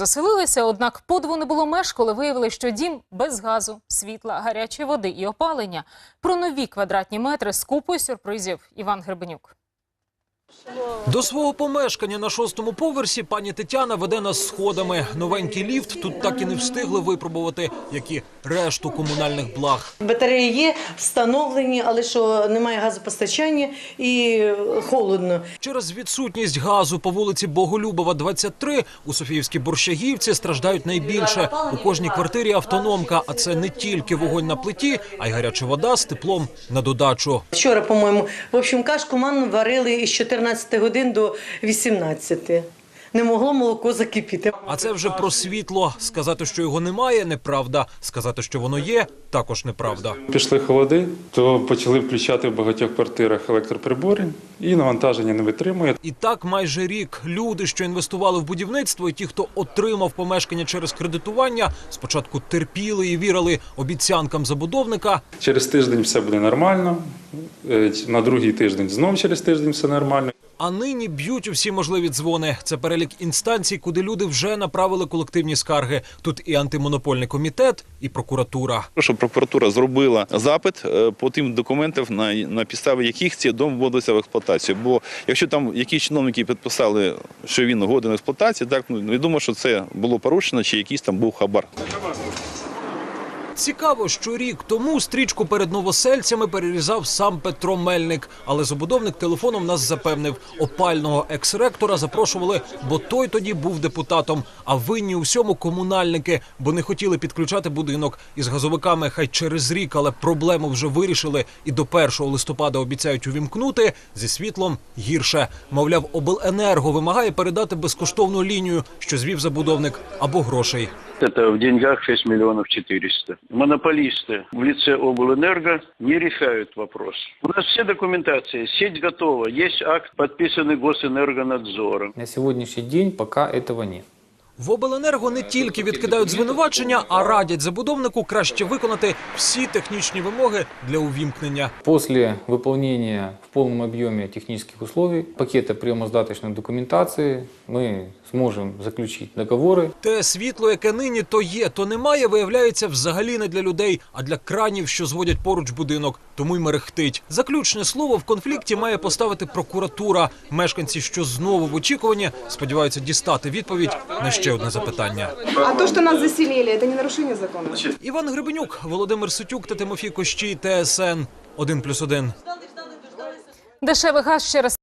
Заселилися, однак подиву не було меж, коли виявили, що дім без газу, світла, гарячої води і опалення. Про нові квадратні метри з купою сюрпризів Іван Гребенюк. До свого помешкання на 6-му поверсі пані Тетяна веде нас сходами. Новенький ліфт тут так і не встигли випробувати, як і решту комунальних благ. Батареї є, встановлені, але що немає газопостачання і холодно. Через відсутність газу по вулиці Боголюбова, 23, у Софіївській Борщагівці страждають найбільше. У кожній квартирі автономка, а це не тільки вогонь на плиті, а й гаряча вода з теплом на додачу. Вчора, по-моєму, кашку манну варили із 14 годин до 18. Не могло молоко закипіти. А це вже про світло. Сказати, що його немає – неправда. Сказати, що воно є – також неправда. Пішли холоди, то почали включати в багатьох квартирах електроприбори, і навантаження не витримує. І так майже рік. Люди, що інвестували в будівництво, і ті, хто отримав помешкання через кредитування, спочатку терпіли і вірили обіцянкам забудовника. Через тиждень все буде нормально, на другий тиждень знов через тиждень все нормально. А нині б'ють у всі можливі дзвони. Це перелік інстанцій, куди люди вже направили колективні скарги. Тут і антимонопольний комітет, і прокуратура. Щоб прокуратура зробила запит по тим документам, на підставі яких цей дом вводиться в експлуатацію. Бо якщо там якісь чиновники підписали, що він годен в експлуатації, так відомо, що це було порушено, чи якийсь там був хабар. Цікаво, що рік тому стрічку перед новосельцями перерізав сам Петро Мельник. Але забудовник телефоном нас запевнив, опального екс-ректора запрошували, бо той тоді був депутатом. А винні у всьому комунальники, бо не хотіли підключати будинок. Із газовиками хай через рік, але проблему вже вирішили. І до 1 листопада обіцяють увімкнути, зі світлом гірше. Мовляв, обленерго вимагає передати безкоштовну лінію, що звів забудовник, або грошей. Это в деньгах 6 миллионов 400. Монополисты в лице обленерго не решают вопрос. У нас все документации, сеть готова, есть акт, подписанный Госэнергонадзором. На сегодняшний день пока этого нет. В обленерго не тільки відкидають звинувачення, а радять забудовнику краще виконати всі технічні вимоги для увімкнення. После выполнения в полном объеме технических условий, пакета приемо-здаточной документации, мы сможем заключить договоры. Те світло, яке нині то є, то немає, виявляється взагалі не для людей, а для кранів, що зводять поруч будинок. Тому й мерехтить. Заключне слово в конфлікті має поставити прокуратура. Мешканці, що знову в очікуванні, сподіваються дістати відповідь на ще одне запитання. А то, що нас заселили, це не нарушення закону? Іван Гребенюк, Володимир Ситюк та Тимофій Кощій, ТСН 1+1. Дешевий газ ще раз